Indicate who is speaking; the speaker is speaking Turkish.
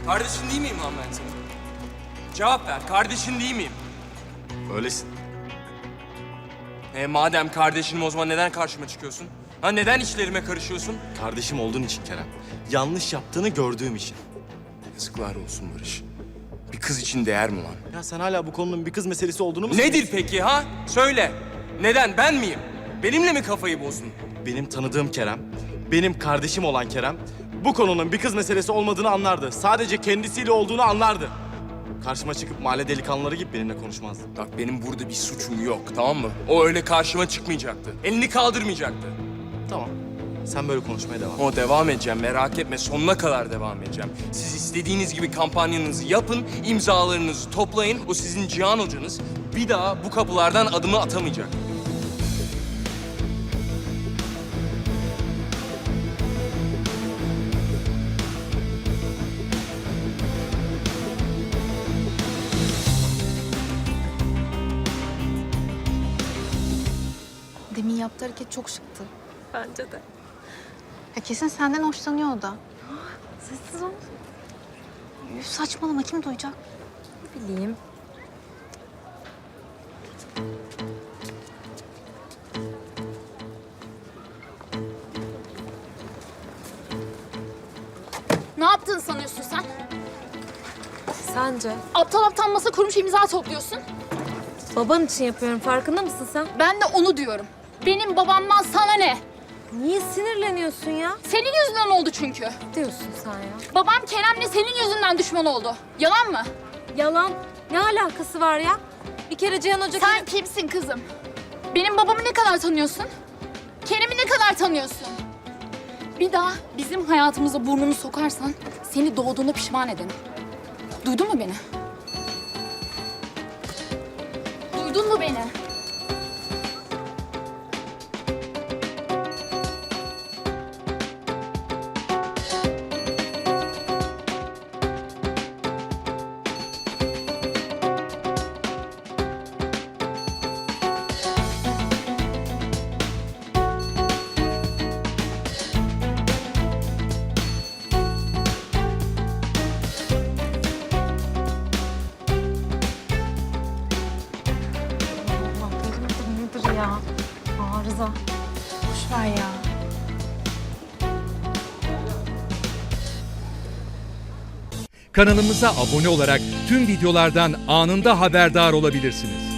Speaker 1: Kardeşin değil miyim lan ben senin? Cevap ver, kardeşin değil miyim?
Speaker 2: Öylesin.
Speaker 1: Madem kardeşinim o zaman neden karşıma çıkıyorsun? Ha neden işlerime karışıyorsun?
Speaker 2: Kardeşim olduğun için Kerem. Yanlış yaptığını gördüğüm için.
Speaker 1: Yazıklar olsun Barış. Bir kız için değer mi lan?
Speaker 2: Ya sen hala bu konunun bir kız meselesi olduğunu mu
Speaker 1: Nedir peki ha? Söyle. Neden, ben miyim? Benimle mi kafayı bozdun?
Speaker 2: Benim tanıdığım Kerem, benim kardeşim olan Kerem, bu konunun bir kız meselesi olmadığını anlardı. Sadece kendisiyle olduğunu anlardı. Karşıma çıkıp mahalle delikanlıları gibi benimle konuşmazdı.
Speaker 1: Bak benim burada bir suçum yok, tamam mı? O öyle karşıma çıkmayacaktı. Elini kaldırmayacaktı.
Speaker 2: Tamam, sen böyle konuşmaya devam et.
Speaker 1: O devam edeceğim, merak etme. Sonuna kadar devam edeceğim. Siz istediğiniz gibi kampanyanızı yapın, imzalarınızı toplayın. O sizin Cihan hocanız bir daha bu kapılardan adımı atamayacak.
Speaker 3: Demin yaptığı hareket çok şıktı.
Speaker 4: Bence de.
Speaker 3: Ya kesin senden hoşlanıyor o da. Sessiz ol. Üf, saçmalama, kim duyacak?
Speaker 4: Ne bileyim.
Speaker 5: Ne yaptığını sanıyorsun sen?
Speaker 4: Sence?
Speaker 5: Aptal aptal masa kurmuş imza topluyorsun.
Speaker 4: Baban için yapıyorum. Farkında mısın sen?
Speaker 5: Ben de onu diyorum. Benim babamdan sana ne?
Speaker 4: Niye sinirleniyorsun ya?
Speaker 5: Senin yüzünden oldu çünkü.
Speaker 4: Diyorsun sen ya.
Speaker 5: Babam Kerem'le senin yüzünden düşman oldu. Yalan mı?
Speaker 4: Yalan. Ne alakası var ya? Bir kere Cihan Hoca...
Speaker 5: Sen kimsin kızım? Benim babamı ne kadar tanıyorsun? Kerem'i ne kadar tanıyorsun? Bir daha bizim hayatımıza burnunu sokarsan seni doğduğuna pişman ederim. Duydun mu beni? Duydun mu beni?
Speaker 3: Allah nedir nedir ya? Arıza. Boş ver ya.
Speaker 6: Kanalımıza abone olarak tüm videolardan anında haberdar olabilirsiniz.